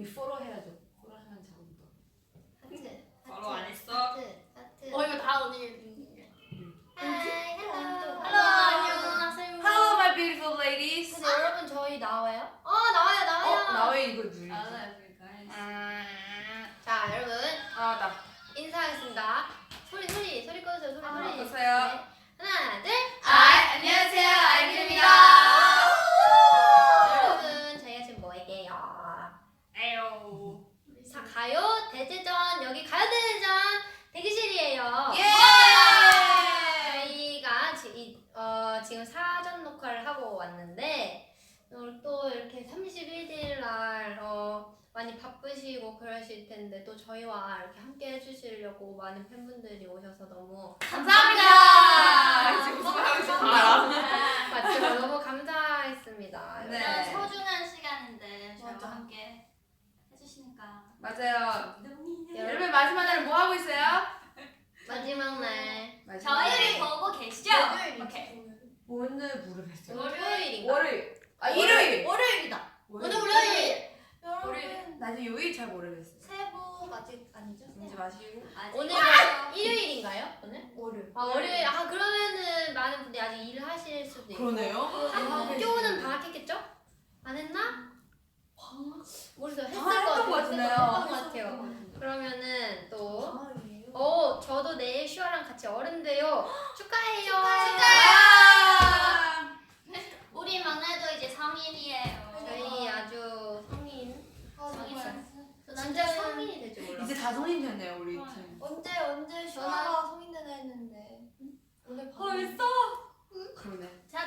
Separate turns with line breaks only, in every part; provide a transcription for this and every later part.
우리 포로 해야죠. 포로 하면 작은 거.
하트.
바로 안 했어?
하트.
이거 다 언니.
하이, 헬로.
안녕하세요.
Hello, my beautiful ladies.
근데 여러분 저희 나와요?
나와요.
나왜 이거 누르지?
알아요, 그러니까.
자, 여러분
나.
인사하겠습니다. 소리 꺼주세요. 소리.
꺼주세요.
네. 하나, 둘.
안녕하세요, 아이들입니다.
여러분 저희가 지금 뭐 얘기해요?
에요.
자, 가요 대제전 여기 가요 대제전 대기실이에요.
예!
저희가 지금 사전 녹화를 하고 왔는데 또 이렇게 31일 날 많이 바쁘시고 그러실 텐데 또 저희와 이렇게 함께 해주시려고 많은 팬분들이 오셔서 너무
감사합니다.
지금 무슨 말 하고 있는지 알아?
맞지만 너무 감사했습니다.
네.
이런 소중한 시간인데 저희와
맞아.
함께 해주시니까
맞아요.
여러분
여러분 마지막 날은 뭐 하고 있어요?
마지막 날
저희를 보고 계시죠? 오케이.
오늘 모르겠어요.
월요일인가?
월요일. 일요일.
월요일이다.
오늘 월요일.
여러분
나 지금 요일 잘 모르겠어요.
새해 복 아직 아니죠?
이제 마시고.
오늘 일요일인가요? 오늘?
월요일.
월요일. 그러면은 많은 분들이 아직 일을 하실 수도 있고.
그러네요.
학교는 방학했겠죠? 안 했나?
방학.
모르겠어요. 했을
방학했던 것
것
같은데요.
했던 것 같아요. 그러면은 또
방학이에요?
저도 내일 슈아랑 같이 어른 돼요. 축하해요.
우리 막내도 이제 성인이에요.
저희 아주 성인.
진짜
성인이 될지 몰라.
이제 다 성인 됐네요 우리 팀.
언제 슈아가 성인 되나 했는데 오늘
벌써?
그러네.
제가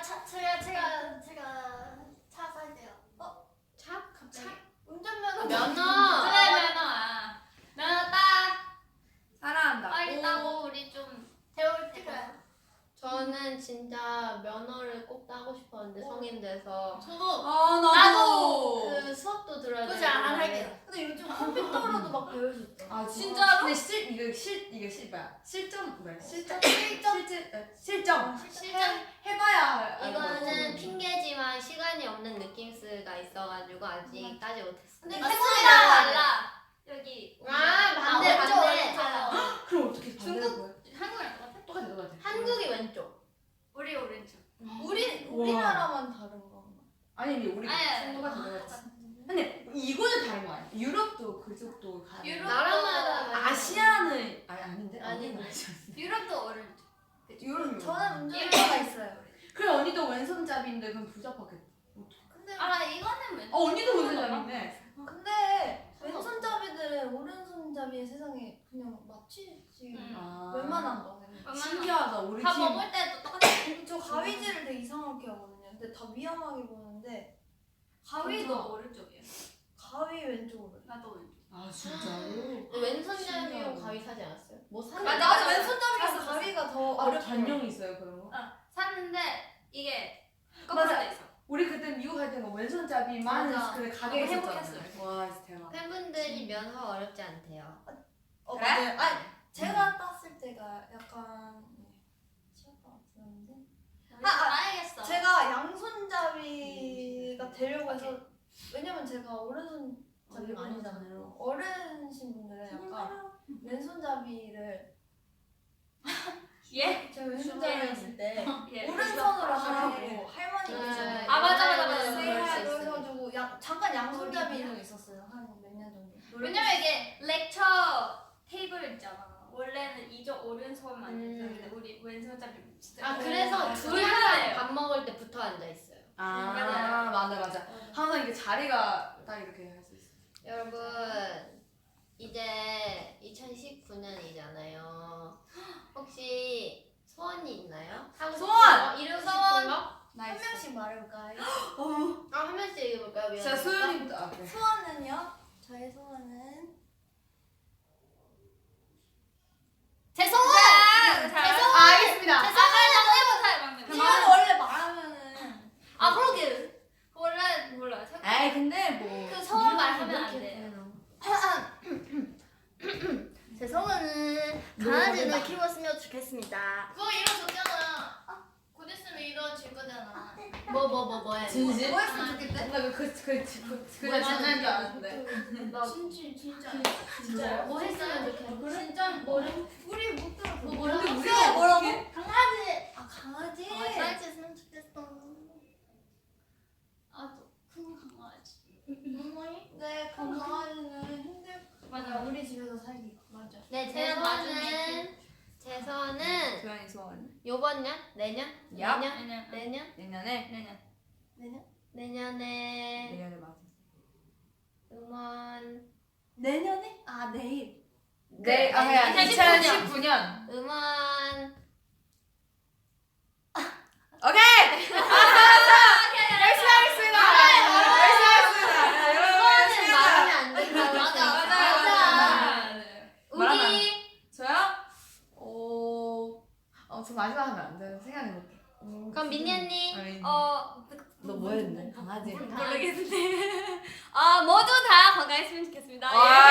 차 살게요.
차?
운전면허
면허.
그래, 면허 따.
사랑한다.
빨리 따고 우리 좀
배울 때가
저는 진짜 면허를 꼭 따고 싶었는데 성인 돼서
저도
나도.
그 수업도 들어야
그지
되는데
안 할게요. 근데 요즘 컴퓨터로도 막 배울 수 있죠.
아
진짜로?
근데 이게 뭐야? 실점 뭐야? 실점
실전
해봐야.
이거는 핑계지만 시간이 없는 느낌스가 있어가지고 아직 따지 못했어.
근데
태국이랑 달라. 여기
반대.
그럼 어떻게
중국 한국이랑 똑같아?
똑같아.
한국이 왼쪽.
우리 오른쪽.
우리나라만 다른 건가?
아니 우리
아니,
똑같아. 근데 이거는 다른 거 아니야? 유럽도 그쪽도 다.
유럽-
나라마다
아시아는 아닌데?
아닌데.
유럽도 오른쪽.
유럽.
저는 운전면허가 있어요.
그래 언니도 왼손잡이인데 그럼 부잡하겠다.
근데
이거는 왜?
언니도 왼손잡이네.
근데 왼손잡이들은 오른손잡이의 세상에 그냥 맞추지. 웬만한 거.
신기하다 우리
밥
팀.
먹을 때도 똑같아.
저 가위질을 되게 이상하게 하거든요. 근데 다 위험하게 보는데
가위도 오른쪽이야.
가위 왼쪽으로.
나도 오른쪽.
아 진짜로?
왼손잡이로 가위 사지 않았어요? 뭐 사지
맞아,
않았어요?
왼손잡이랑
샀어.
가위가 더
아
어렵죠.
단령이 있어요 그런 거?
샀는데 이게 거꾸로
맞아.
돼 있어.
우리 그때 미국 갈 때는 왼손잡이만
맞아.
그 가게에
너무
있었잖아요.
행복했어요.
와 진짜 대박.
팬분들이 면허 어렵지 않대요.
그래?
맞아요. 아니 제가 땄을 때가 약간 쉬웠던 것 같은데.
알겠어.
제가 양손잡이가 되려고 해서 왜냐면 제가 오른손잡이가 아니잖아요. 어른신 분들은 약간 왼손잡이를
예?
제가 왼손잡이였을 때
예.
오른손으로 하라고
네.
할머니께서
맞아.
그래가지고 잠깐 양손잡이는 있었어요. 한 몇 년 정도.
왜냐면 이게 렉처 테이블 있잖아. 원래는 이쪽 오른손만 있었는데 우리 왼손잡이 진짜.
그래서
둘
둘
하나예요.
다 밥 먹을 때 붙어 앉아 있어요.
맞아. 항상 이게 자리가 딱 이렇게 할 수 있어.
여러분 이제 2019년이잖아요. 혹시 소원이 있나요? 하고 싶은
소원!
거? 이루고
소원!
싶은 거?
한 명씩 말해볼까요?
한 명씩 얘기해볼까요? 미안해.
자 소연이부터. 그래.
소원은요? 저의 소원은
제 소원!
알겠습니다.
이건 원래 말하면은
그러게. 원래 몰라.
에이 근데 뭐.
그 소원 말하면 안 돼.
제 소원은
강아지를
키웠으면 좋겠습니다.
그거 이루어졌잖아. 곧 있으면 이루어질 거잖아.
뭐 해?
진심?
뭐 했으면 좋겠대?
그냥 장난인 줄 알았는데.
나
진짜.
뭐 했으면 좋겠어.
진짜 뭐래? 우리 못 들었어.
뭐라고?
우리가
뭐라고? 강아지. 아 강아지.
강아지 했으면 좋겠어.
아또 큰 강아지.
네, 그 강아지는 힘들.
맞아.
우리 집에서 살기. 맞아.
네,
그냥 나중에
제 소원은
조연이 소원.
요번 년? 내년?
야.
내년?
내년.
내년?
내년.
내년에
내년에 맞아.
음원
내년에? 아 내일.
네, 아,
아니야.
2019년.
음원
오케이! 열심히 하겠습니다! 열심히 하겠습니다! 여러분,
소원은 말하면 안 된다고
맞아,
했으니까.
말하면
우기
저요? 저 마지막 하면 안 돼. 생각해볼게.
그럼 민니 언니
너 뭐 했는데? 강아지.
모르겠는데. 아 모두 다 건강했으면 좋겠습니다.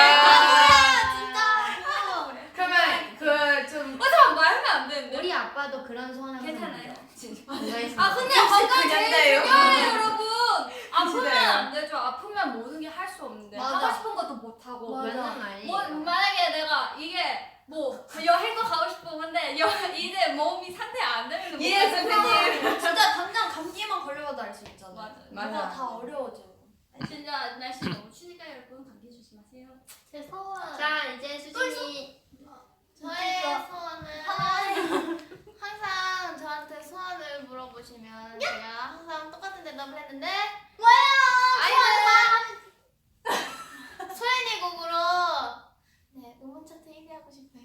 그러면 좀
잠깐 말하면 안 되는데.
우리 아빠도 그런 소원을
괜찮아요.
아
근데 건강 제일
년대예요.
중요해요, 여러분. 아프면
진짜요.
안 되죠. 아프면 모든 게 할 수 없는데
맞아.
하고 싶은 것도 못 하고.
맞아.
맞는 말이
뭐 만약에 내가 이게 뭐 여행도 가고 싶어 근데 이제 몸이 상태 안 되면
예, 선생님.
진짜 당장 감기만 걸려도 알 수 있잖아.
맞아.
맞아.
뭐가 다 어려워져.
진짜 날씨 너무 추니까 여러분 감기 조심하세요.
제 소원.
자 이제 수진이
저의
소원은 항상 저한테 소원을 물어보시면 제가 항상 똑같은 대답을 했는데 소연이 곡으로 네 음원 차트 1위 하고 싶어요.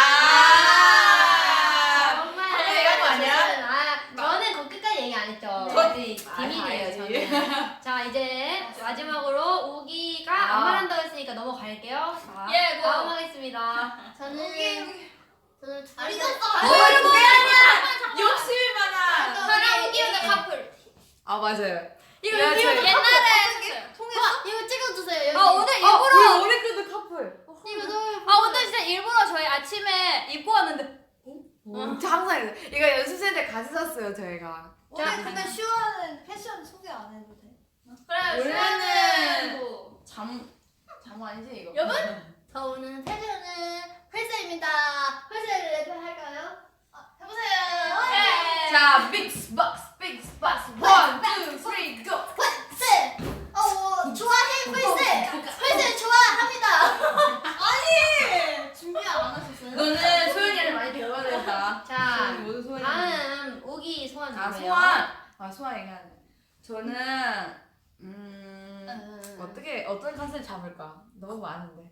정말
방금 얘기한 거 아니야?
저는 그 끝까지 얘기 안 했죠.
저-
비밀이에요
알지.
저는. 자 이제 마지막으로 우기가 안 말한다고 했으니까 넘어갈게요. 자,
예, 고.
다음 하겠습니다.
저는
아니,
욕심이 많아.
저랑 우기훈의 커플.
아, 맞아요.
이거
야,
이거
저희-
옛날에 이거 찍어주세요. 여기.
오늘 일부러
우리 그도 커플.
이거 너무
오늘 진짜 일부러 저희 아침에 입고 왔는데
항상 이래요. 이거 연습생 때 같이 샀어요, 저희가.
오늘 근데 슈아는 패션 소개 안 해도 돼?
그래
원래는
뭐
잠 아니지, 이거?
여러분? 저 오늘 패션은 회사입니다. 회사를 랩할까요? 해보세요.
예.
자, 빅스박스, 빅스박스. 1, 2, 3, go!
네. 좋아해 회사. 회사 좋아합니다.
준비 안 하셨어요?
너는 소연이를 많이 배워야 된다.
자
소연이 모두 소연이.
다음 우기 소원
아,
누구예요?
소환 얘기하네. 저는 어떤 컨셉 잡을까? 너무 많은데.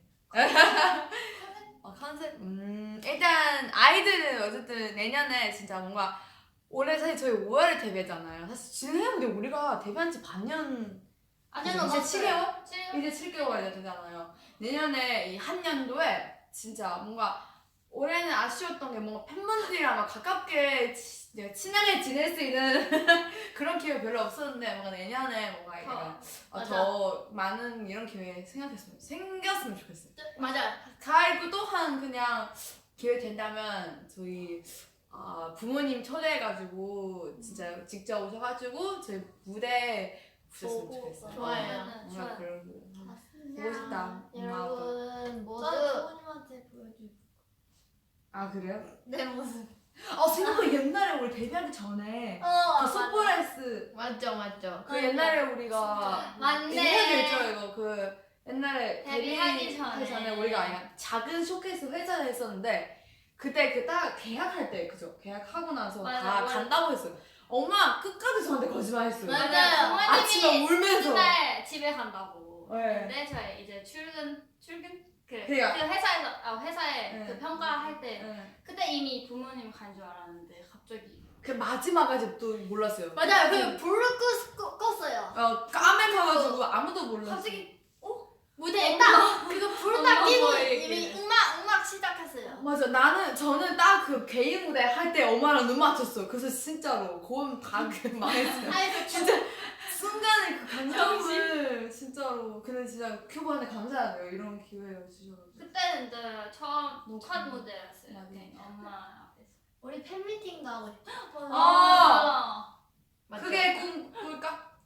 컨셉? 일단 아이들은 어쨌든 내년에 진짜 뭔가 올해 사실 저희 5월에 데뷔했잖아요. 사실 지난해인데 우리가 데뷔한 지 반년
아니요
이제
넘었어요.
7개월? 이제 7개월 되잖아요. 내년에 이 한 년도에 진짜 뭔가 올해는 아쉬웠던 게 뭔가 팬분들이랑 막 가깝게 친하게 지낼 수 있는 그런 기회 별로 없었는데 뭔가 내년에 뭔가 약간 더 많은 이런 기회 생겼으면 좋겠어요.
맞아.
그리고 또한 그냥 기회 된다면 저희 부모님 초대해가지고 진짜 직접 오셔가지고 저희 무대 보셨으면 좋겠어요.
좋아요.
뭔가 그런 거 보고 싶다.
여러분 모두
저 부모님한테 보여줄.
아 그래요?
내 모습.
생각보다 옛날에 우리 데뷔하기 전에 그 소포레스
맞죠.
그 옛날에 우리가
맞네.
얘기해줘 이거 그 옛날에
데뷔하기
데뷔하기
전에.
우리가 그냥 작은 쇼케이스 회사를 했었는데 그때 그 딱 계약할 때 그죠? 계약하고 나서
맞아,
다
맞아.
간다고 했어요. 엄마 끝까지 저한테 거짓말했어요.
맞아요.
아침에 울면서.
맨날 집에 간다고.
네.
근데 저희 이제 출근 그
그래요.
회사에
네.
그 평가할 때
네.
그때 이미 부모님 간 줄 알았는데 갑자기
그 마지막까지 또 몰랐어요.
맞아요. 그 불을 껐어요.
까매가지고 아무도 몰랐어.
갑자기
무대에 딱 그거 불을 딱
엄마
끼고
뭐예요,
이미
이게?
음악 시작했어요.
맞아. 저는 딱 그 개인 무대 할 때 엄마랑 눈 맞췄어. 그래서 진짜로 고음 다 망했어요.
아니
진짜 순간에 그 감정을 진짜로. 근데 진짜 큐브한테 감사하네요. 이런 기회 주셔가지고.
그때는 이제 첫 무대였어요.
맞아.
네, 엄마 앞에서.
우리 팬미팅도 하고 싶어.
아!
맞죠?
그게 꿈 꿀까?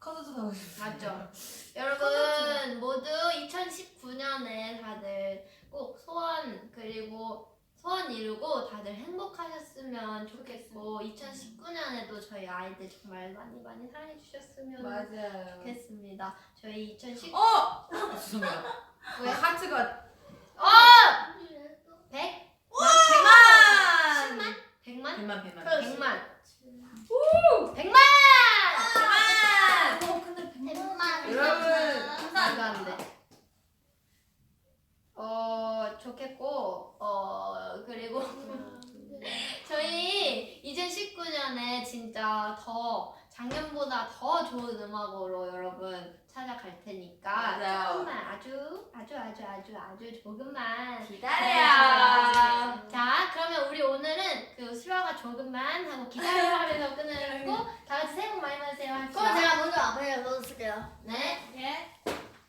콘서트 가고 싶어요.
맞죠? 여러분 모두 2019년에 다들 꼭 소원 그리고 소원 이루고 다들 행복하셨으면 좋겠고 2019년에도 저희 아이들 정말 많이 많이 사랑해 주셨으면
맞아요.
좋겠습니다. 저희 2019
죄송해요.
왜?
하트가
100?
100만!
100만?
100만 100만.
100만. 100만!
근데
엠마.
여러분.
감사한데. 좋겠고 그리고 저희 2019년에 진짜 더 작년보다 더 좋은 음악으로 여러분 찾아갈 테니까
맞아요.
조금만 아주 조금만
기다려요.
자, 그러면 우리 오늘은 그 수라가 조금만 하고 기다려 하면서 끊고 다 같이 새해 복 많이 받으세요 합시다.
그럼 제가 먼저 앞에 넣어줄게요.
네.
예.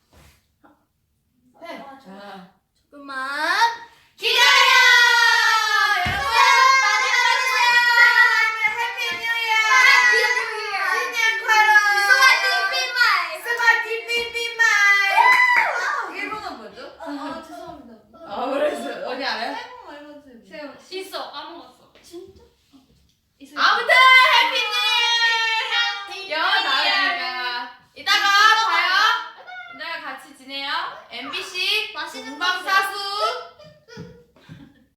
자.
조금만.
기다려! 여러분 많이 받으세요. 해피 뉴 이어. 신년快乐. 스마트 삐삐마이. 일본어 뭐죠?
죄송합니다.
그랬어요. 언니 알아요?
새해 복 많이 받으세요.
있어 까먹었어.
진짜?
아무튼 해피 뉴 이어. 영어 나오니까 이따가 봐요. 이따가 같이 지내요. MBC
맛있는 거
본방사수